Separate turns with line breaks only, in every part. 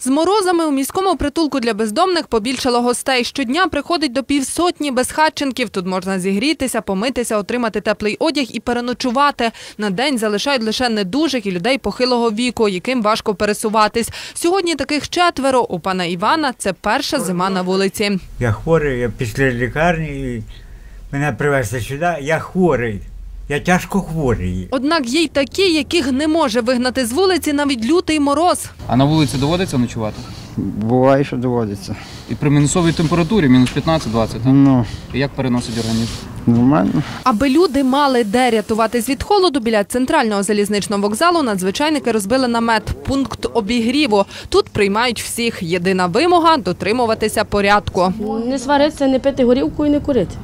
З морозами у міському притулку для бездомних побільшало гостей. Щодня приходить до півсотні безхатченків. Тут можна зігрітися, помитися, отримати теплий одяг і переночувати. На день залишають лише недужих і людей похилого віку, яким важко пересуватись. Сьогодні таких 4. У пана Івана це перша зима на вулиці.
Я хворий, я після лікарні, і мене привезли сюди, я хворий. Я тяжко хворий.
Однак є й такі, яких не може вигнати з вулиці навіть лютий мороз.
А на вулиці доводиться ночувати?
Буває, що доводиться.
І при мінусовій температурі, мінус 15-20, так?
Ну,
І як переносить організм?
нормально.
Аби люди мали де рятуватись від холоду, біля центрального залізничного вокзалу надзвичайники розбили намет – пункт обігріву. Тут приймають всіх. Єдина вимога – дотримуватися порядку.
Не сваритися, не пити горілку і не курити.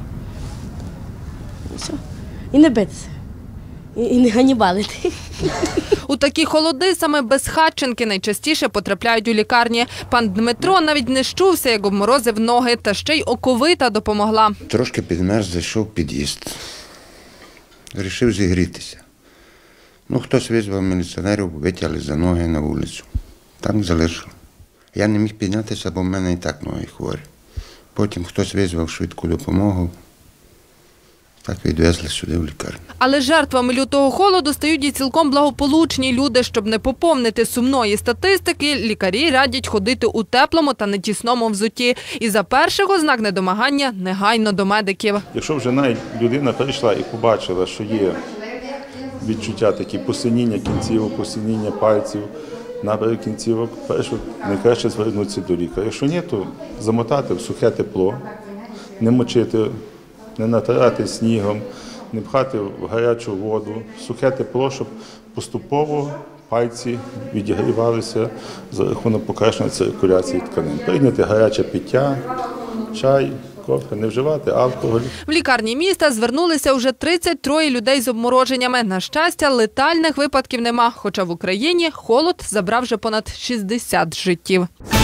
Все. І не битися. І не ганібалити.
У такі холоди саме безхатченки найчастіше потрапляють у лікарні. Пан Дмитро навіть не щувся, як обморозив ноги, та ще й оковита допомогла.
Трошки підмерз, зайшов в під'їзд. Рішив зігрітися. Хтось визвав міліціонерів, витягли за ноги на вулицю. Там залишили. Я не міг піднятися, бо в мене і так ноги хворі. Потім хтось визвав швидку допомогу. Так відвезли сюди в лікарню.
Але жертвами лютого холоду стають і цілком благополучні люди. Щоб не поповнити сумної статистики, лікарі радять ходити у теплому та нетісному взутті. І за перших ознак недомагання негайно до медиків.
Якщо вже навіть людина прийшла і побачила, що є відчуття такі посиніння кінцівок, посиніння пальців, набери кінцівок, найкраще звернутися до лікаря. Якщо ні, то замотати в сухе тепло, не мочити, не натирати снігом, не пхати в гарячу воду, сухе тепло, щоб поступово пальці відігрівалися за рахунок покращення циркуляції тканин. Прийняти гаряче пиття, чай, кофе, не вживати алкоголь.
В лікарні міста звернулися вже 33 людей з обмороженнями. На щастя, летальних випадків нема, хоча в Україні холод забрав вже понад 60 життів.